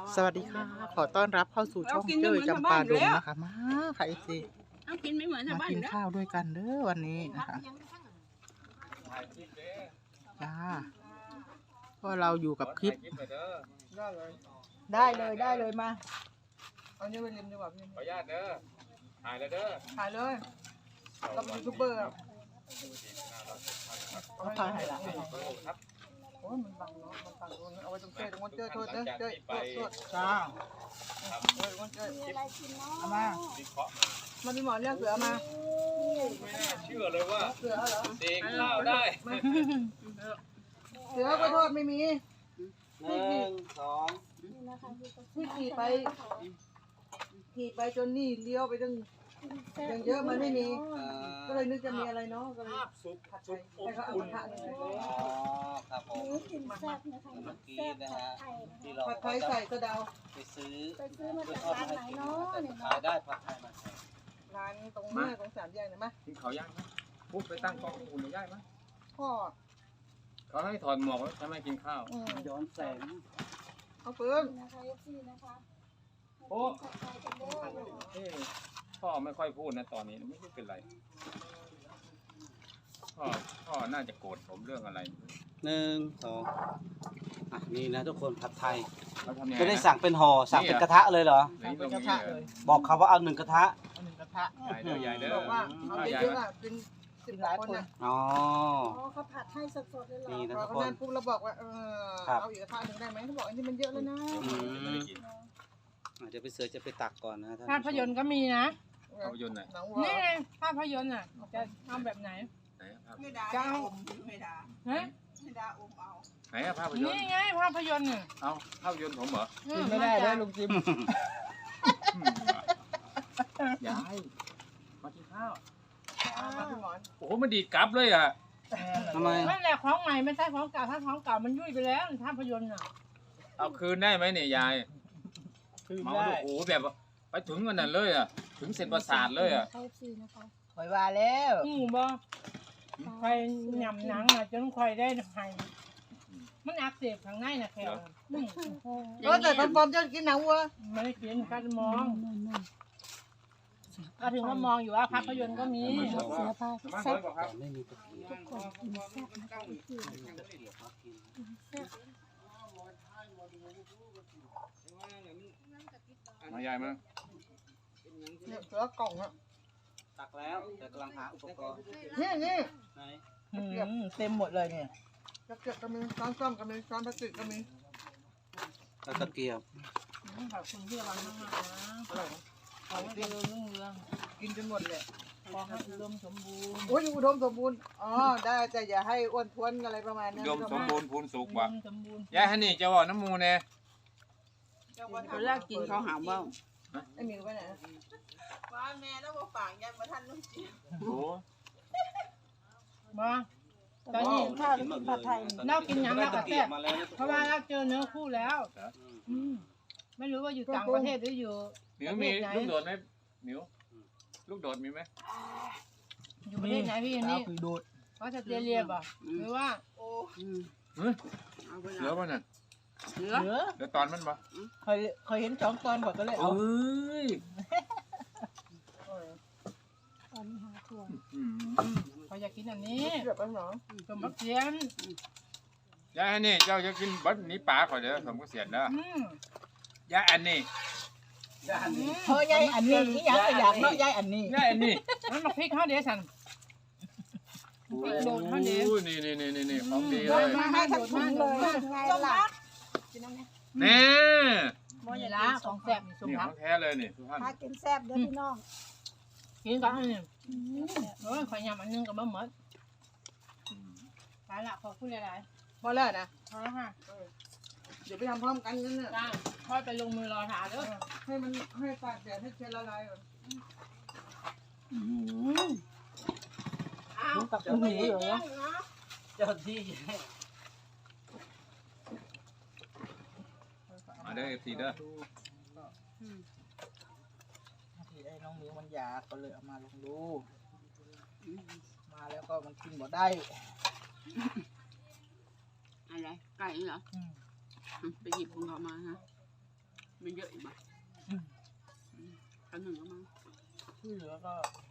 สวัสดีค่ะขอต้อนรับเข้าสู่ช่องเจ้ยจำปาดงนะคะมาค่ะเอฟซีเอากินไม่เหมือนชาวมาบ้านกินแล้วข้าวด้วยกันเด้อวันนี้นะคะจ้าก็เราอยู่กับคลิปได้เลยมาเอาเนี้ยไปเล่นดีกว่าพี่ขออนุญาตเด้อถ่ายเลยเด้อถ่ายเลยเราเป็นยูทูบเบอร์เขาถ่ายละครับโอ้ยมันบังเนาะมันบังเอาไว้ตรงเจ้ยตรงเจ้ยโทษเด้อเจ้ยโทษจ้าเจ้ยเจ้ยเอามามันมีหมอนเรียกเสือมาไม่น่าเชื่อเลยว่าเสือเหรอเด็กเล่าได้เสือก็โทษไม่มี 1 2 ที่ขี่ไปจนนี่เลี้ยวไปตั้งยังเยอะมันไม่มีก็เลยนึกจะมีอะไรเนาะก็เลยซุปผัดไปซุปอบให้เขาเอาอุ่นผัดเลยอ๋อครับผมเมื่อกี้นะฮะที่เราผัดไทยใส่กระเดาไปซื้อมาจากร้านไหนเนาะเนี่ยขายได้ผัดไทยมาร้านตรงหน้าตรงสามแยกนะมั้ยกินเขาย่างไหมปุ๊บไปตั้งกล้องอุ่นหรือย่างไหมพ่อเขาให้ถอดหมวกแล้วทำไมกินข้าวย้อนแสงเอาเพิ่มนะคะเอฟซีนะคะโอ้ผัดไทยกันเด้อพ่อไม่ค่อยพูดนะตอนนี้ไม่รู้เป็นไรพ่อน่าจะโกรธผมเรื่องอะไร 1 2นี่นะทุกคนผัดไทยเขาทำยังไงจะได้นะสั่งเป็นห่อสั่งเป็นกระทะเลยเหรอนี่ตรงกระนี้ทะเลเลย ยบอกเขาว่าเอา1กระทะเอาหนึ่งกระทะใหญ่เด้อใหญ่เด้อบอกว่าเอาเยอะๆอ่ะเป็น10หลายคนนะอ๋ออ๋อเขาผัดให้สดๆเลยเหรอนี่นะพอทุกเขาคนนั่นปุ๊บเราบอกว่าครับเอาอีกกระทะหนึ่งได้ไหมเขาบอกอันนี้มันเยอะแล้วนะอาจจะไปเสือจะไปตักก่อนนะท่านภาพยนตร์ก็มีนะภาพยนตร์ไหนหนังวัวนี่ไงภาพยนตร์อ่ะ จะทำแบบไหนไหนภาพจะเอาฮะไหนภาพยนตนี่ร์ไงภาพยนตร์น่ะเอาภาพยนตร์ผมเหรออืกินไม่ได้าได้จากลุงจิมยายมากินข้าวมาพี่หมอนโอ้โหมันดีดกลับเลยอ่ะทำไมนั่นแหละของใหม่ไม่ใช่ของเก่าถ้าของเก่ามันยุ่ยไปแล้วภาพยนตร์น่ะเอาคืนได้ไหมเนี่ยยายคือเมาได้ดูโอ้โหแบบว่าไปถึงกันนั่นเลยอ่ะ ถึงเส้นประสาทเลยอ่ะเอฟซีนะคะคอยว่าแล้วบ่ใครหย่ำหนังอ่ะจนใครได้ไห้มันอักเสบข้างในน่ะแค่แต่ตอนปอมจะกินหนังวัวไม่ได้กินคัดมองก็ถึงว่ามองอยู่ว่าภาพยนตร์ก็มีเสือพามาแซ่เฮ้บยบอกครับไม่มีตะเกียบทุกคนกินแซ่บนะคะเอฟซีมายายมาเนี่ยเสือกล่องอ่ะตักแล้วแต่กำลังหาอุปกรณ์นี่ไหนเต็มหมดเลยเนี่ยจะเก็บก็มีช้อนส้อมก็มีช้อนพลาสติกก็มีแล้วตะเกียบขอบคุณที่ระวังมากๆนะขอให้เจริญรุ่งเรืองกินจนหมดเลยขอให้อุดมสมบูรณ์โอ้ยอุดมสมบูรณ์อ๋อได้แต่อย่าให้อ้วนท้วนอะไรประมาณนั้นยมสมบูรณ์พูนสุกอุว่ะดมสมบูรณ์ยายฮันนี่จะบอกน้ำมูแน่คนแรกกินเขาหาว่าไอ้หมิวไปไหนโอ้มาตอนนี้กินข้าวแล้วกินผัดไทยเรากินหยังเราก็แซ่บมาแล้วเพราะว่าเราเจอเนื้อคู่แล้วไม่รู้ว่าอยู่ต่างประเทศหรืออยู่หมิวมีลูกโดดไหมหมิวลูกโดดมีไหมอยู่ประเทศไหนพี่อันนี้คือดูดออสเตรเลียป่ะหรือว่าเหลือป่ะน่ะเหลือเหลือตอนมันป่ะเคยเห็น2 ตอนก่อนก็เลยเอาเอ้ยตอนนี้หาถั่วเขาอยากกินอันนี้เกือบไปหนอสมบัติเสียนยายฮันนี่เจ้าจะกินบัดนี้ปลาขอเด้อผมก็เสียดแล้วยายอันนี้เฮ้ยยายอันนี้อยากเนาะยายอันนี้ยายอันนี้นั่นมาพริกข้าวเดียวสันโอ้โหนี่ของดีเลยมาให้ทั้งถุงเลยไงล่ะแน่มอยละของแซ่บนี่สมนี่ขรัอก งแท้เลยนี่ทุกท่านพากินแซ่บเด้อพี่น้องกินกันอันนี้ขอยยำอันนึงกับมะหมดไปละขอพูดหลายพอแล้วนะๆพอแล้วค่ะเดี๋ยวไปทำพร้อมกันนั่นน่ะจ้าค่อยไปลงมือรอถาเด้อให้มันให้ตากแดดให้เชื้อละลายก่อนอ้าวกับคุณหนูเหรอเจ้าที่มาเด้อเอฟซีเด้อที่ไอ้น้องหมิวมันอยากก็เลยเอามาลองดูมาแล้วก็มันกินบ่ได้อะไรไก่เหรอไปหยิบของเขามาฮะไม่เยอะอีกมั้ยอันหนึ่งก็มาที่เหลือก็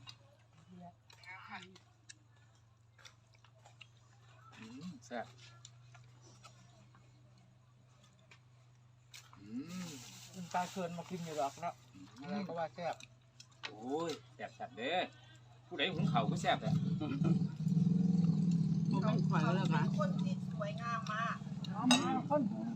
แซ่บกินปลาเคินมากินอยู่หรอกเนาะอะไรก็ว่าแซ่บโอ้ยแซ่บเด้ผู้ใดหุงข้าวก็แซ่บเลยโอ้ไม่ขวัญแล้วกันคนที่สวยงามมากคน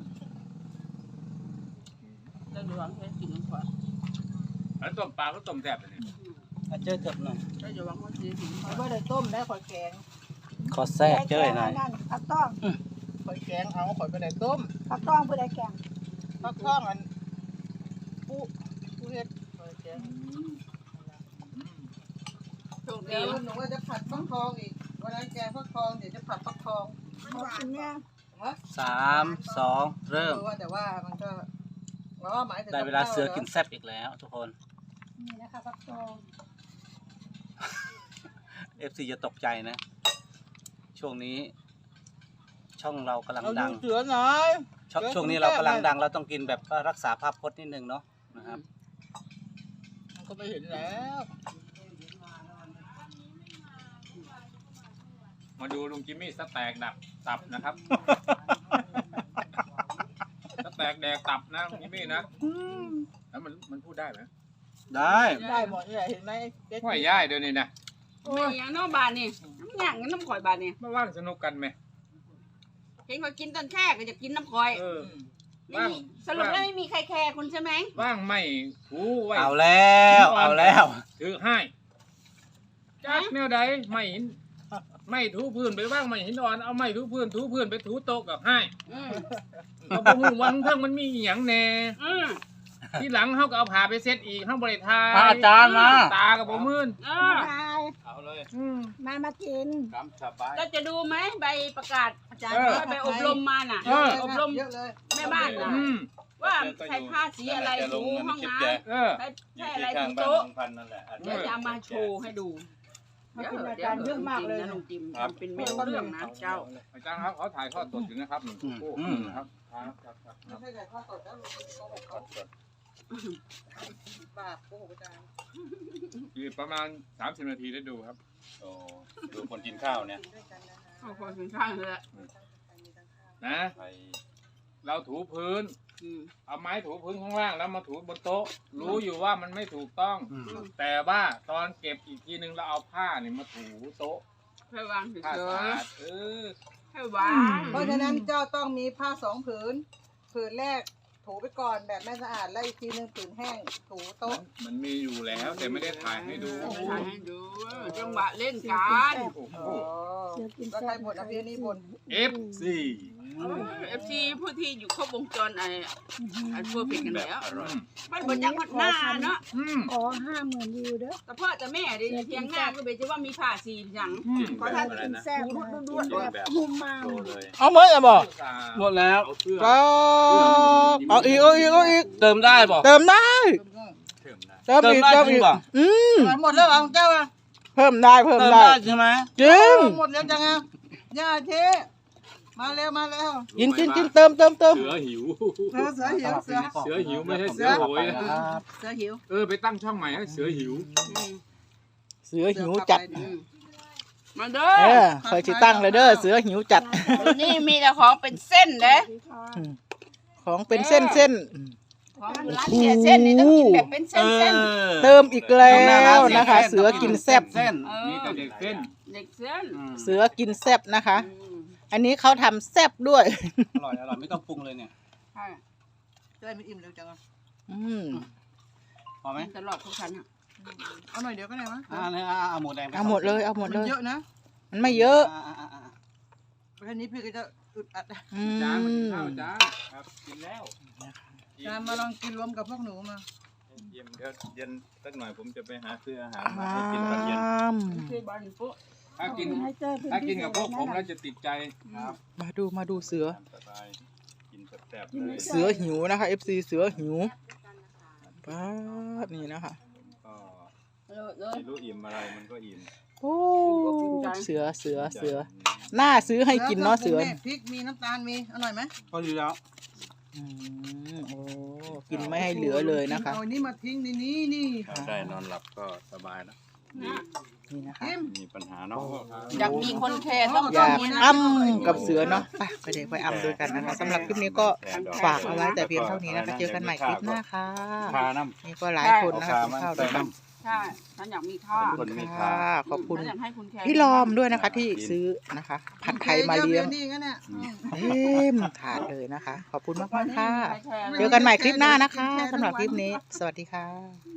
จะดูว่าแค่กินน้ำขวัญแล้วต้มปลาก็ต้มแซ่บเลยนี่เจอเกือบหน่อยก็จะวางว่าจะกินข่อยบ่ได้ต้มได้ข่อยแกงขอแทรกเจ้ยหน่อยนั่นผักต้องข่อยแกงเอาข่อยบ่ได้ต้มผักต้องผู้ใดแกงฟักทองอันผู้เฮ็ดข่อยแกงโชคดีเดี๋ยวหนูว่าจะผัดฟักทองอีกวันนั้นแกงฟักทองเดี๋ยวจะผัดฟักทองหมดกินเนี่ย 3 2 เริ่มแต่ว่ามันก็หมายถึงได้เวลาเสือกินแซ่บอีกแล้วทุกคนนี่นะคะผักต้อง FC จะตกใจนะ ช่วงนี้ช่องเรากำลังเราดัดูงเสือหน่อยช่วงนี้เรากำลังดังเราต้องกินแบบว่ารักษาภาพพจน์นิดนึงเนาะนะครับมันก็ไม่เห็นแล้วมาดูลุงจิมมี่สแต็กดับตับนะครับ สแต็กแดกตับนะลุงจิมมี่นะแล้วมันพูดได้ไหมได้ได้หมดนี่แหละเห็นไหมห้อยย่ายเดี๋ยวนี้นะไม่อย่างน้องบานนี่น้ำหยางกับน้ำข่อยบานนี่มาว่างสนุกกันไหมเห็นเขากินตอนแรกก็จะกินน้ำข่อยเออไม่มีสรุปแล้วไม่มีใครแคร์คุณใช่ไหมว่างไม่ถูไว้เอาแล้วเอาแล้วถือให้จากแนวใดไม่หินไม่ถูพื้นไปว่างไม่หินอ่อนเอาไม่ถูพื้นไปถูโต๊ะกับให้อืมเราบอกว่าเพิ่งมันมีอหย่างแน่อืมที่หลังเขาก็เอาผ้าไปเซ็ตอีกเขาบริทายพระอาจารย์มาตากับผมมืนอ่ามาเอาเลยมากินคำสบายก็จะดูไหมใบประกาศอาจารย์ไปอบรมมาน่ะ อบรมเยอะเลยแม่บ้านน่ะอืมว่าใช้ผ้าสีอะไรถูห้องน้ำเออใช้อะไรถูโต๊ะเดี๋ยวจะเอามาโชว์ให้ดูมาเดี๋ยวกินอาเดี๋ยจาว รย์เยอะมากเลยนะลุงจิมมันเป็นไม่รู้เรื่องนะเจ้าอาจารย์ครับเขาถ่ายทอดสดอยู่นะครับหนึ่งคู่ครับครับไม่ใช่ไก่ทอดสดแล้วโกหกเขาบาปโกหกอาจารย์อีกประมาณ30 นาทีได้ดูครับโอ้ดูคนกินข้าวเนี่ยด้วยกันนะคะเอาคนถึงข้างเลยอะนะไปเราถูพื้นอืมเอาไม้ถูพื้นข้างล่างแล้วมาถูบนโต๊ะ รู้อยู่ว่ามันไม่ถูกต้องอืมแต่ว่าตอนเก็บอีกทีนึงเราเอาผ้าเนี่ยมาถูโต๊ะให้วางเฉผ้าย สะอาดอๆให้วางเพราะฉะนั้นเจ้าต้องมีผ้า2 ผืน ผืนแรกถูไปก่อนแบบไม่สะอาดแล้วอีกทีนึงผืนแห้งถูโต๊ะมันมีอยู่แล้วแต่ไม่ได้ถ่ายให้ดูถ่ายให้ดูจังหวะเล่นกันโอ้โหเสือกินก็แซ่ใครบบ่นอภินี่บ่น FC FC ผู้ที่อยู่ครบวงจรไอ้พวกผิดกันแล้วอร่อยมันบนจังหวัดหน้าเนาะอืมขอ50,000 วิวเด้อแต่พ่อแต่แม่ดิเพียงหน้าก็เบจะว่ามีผ้าสีอย่างอืมขอทานกินแซ่บนะกินแบบมุมมามโตเลยเอาเมื่อบ่หมดแล้วเอาเสื้อก็เอาอีกเอาอีกเอาอีกเติมได้ป่ะเติมได้เพิ่มได้เติมอีกเติเติมมได้จริอีงกป่ะหมดแล้วเอาเจ้าอ่ะเพิ่มได้เพิ่มเติมได้ได้ใช่ไหมจริงหมดแล้วจังอ่ะย่าเทมาเร็วมาเร็วกินเติมเสือหิวเสือหิวเสือเสือหิวไม่ใช่เสือโหยนะเสื้อหิวไปตั้งช่องใหม่ให้เสือหิวเสือหิวจัดมาเด้อเคยสิตั้งเลยเด้อเสือหิวจัดนี่มีแต่ของเป็นเส้นเด้ของเป็นเส้นเส้นของร้านเสียเส้นนี่ต้องกินแบบเป็นเส้นเส้นเติมอีกแล้วนะคะ เสือกินแซ่บเส้นมีแต่เด็กเส้นเด็กเส้นเสือกินแซ่บนะคะ อันนี้เขาทำแซ่บด้วยอร่อยอร่อยไม่ต้องปรุงเลยเนี่ยใช่จะได้ไม่อิ่มเร็วจังพอไหมตลอดทุกชั้นอ่ะเอาหน่อยเดียวก็ได้มั้ยเนี่ยเอาหมูแดงไปเอาหมดเลยเอาหมดเลยเยอะนะมันไม่เยอะอ่าแค่นี้พี่ก็จะอึดอัดจานมากินข้าวจานครับกินแล้วจานมาลองกินรวมกับพวกหนูมาเย็นเดี๋ยวเย็นสักหน่อยผมจะไปหาซื้ออาหารมาให้กินตอนเย็นคือบ้านปุ๊ถ้ากินให้เจอเป็นถ้าพิกินเศกับษพวกผมนะแล้วจะติดใจมาดูเสือตามสบายกินแซ่บๆเลยเสือหิวนะคะ FC เสือหิวป้าดนี่นะคะก็เลยไม่รู้อิ่มอะไรมันก็อิ่มโอ้เสือหน้าซื้อให้กินเนาะเสือพริกมีน้ำตาลมีอร่อยไหมพอดีแล้วโอ้กินไม่ให้เหลือเลยนะคะเอานี่มาทิ้งในนี้นี่ถ้าได้นอนหลับก็สบายแล้วนี่นะคะมีปัญหาเนาะอยากมีคนแคร์ต้องอยากอ้ำกับเสือเนาะไปเด็กไปอ้ำด้วยกันนะคะสำหรับคลิปนี้ก็ฝากเอาไว้แต่เพียงเท่านี้นะคะเจอกันใหม่คลิปหน้าค่ะคาน้นี่ก็หลายคนนะคะกินข้าวด้วยกันใช่ฉันอยากมีค่าำคนมีคาค่ะขอบคุณฉันอยากให้คุณแคร์พี่ลอมด้วยนะคะที่ซื้อนะคะผัดไทยมาเลี้ยงนี่งั้นเนี่ยเต็มถาดเลยนะคะ ขอบคุณมากๆค่ะ เจอกันใหม่คลิปหน้านะคะสำหรับคลิปนี้ สวัสดีค่ะ